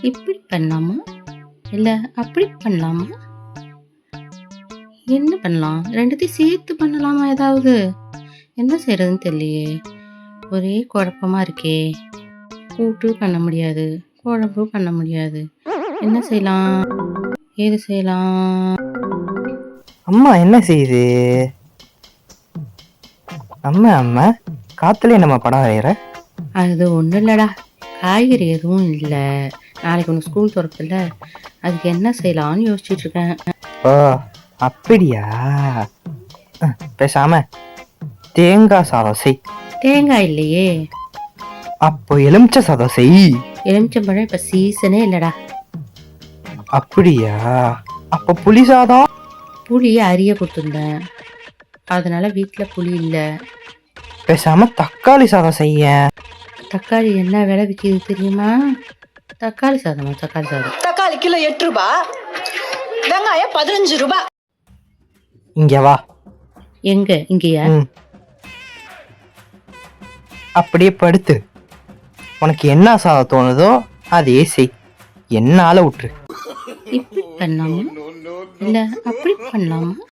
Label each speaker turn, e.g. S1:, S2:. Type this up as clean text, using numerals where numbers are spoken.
S1: இப்படி பண்ணலாமா இல்லை அப்படி பண்ணலாமா? என்ன பண்ணலாம்? ரெண்டுத்தையும் சேர்த்து பண்ணலாமா? ஏதாவது என்ன செய்யறதுன்னு தெரியலையே. ஒரே குழப்பமா இருக்கே. கூட்டு பண்ண முடியாது, குழம்பு பண்ண முடியாது. என்ன செய்யலாம்? ஏது செய்யலாம்?
S2: அம்மா என்ன செய்யுது? அம்மா காத்துல நம்ம படம் வரைகிற?
S1: அது ஒன்றும் இல்லைடா, காய்கறி எதுவும் இல்லை. நாளைக்கு ஒன்று ஸ்கூல் திறக்குதுல்ல, அதுக்கு என்ன செய்யலாம்னு யோசிச்சுட்டு இருக்கேன்.
S2: ஓ அப்படியா? பேசாம தேங்காய் சாதம் செய்.
S1: தேங்காய் இல்லையே.
S2: அப்போ எலுமிச்சை சாதம் செய்.
S1: எலுமிச்சம்பழம் இப்போ சீசனே இல்லைடா.
S2: அப்படியா? அப்போ புளி சாதம்?
S1: புளியை அரிய கொடுத்துருந்தேன், அதனால வீட்டில் புளி இல்லை.
S2: பேசாம தக்காளி சாதம் செய்ய.
S1: தக்காளி என்ன விலை விற்கிது தெரியுமா? தக்காளி சாதமா? தக்காளி சாதம்
S3: தக்காளி கிலோ 8 ரூபாய், வெங்காயம் 15 ரூபாய்.
S2: இங்க வா.
S1: எங்க? இங்கேயா?
S2: அப்படியே படுத்து உனக்கு என்ன சாதம் தோணுதோ அதே செய், என்னால விட்டுரு.
S1: இப்படி பண்ணலாமா இல்லை அப்படி பண்ணலாமா?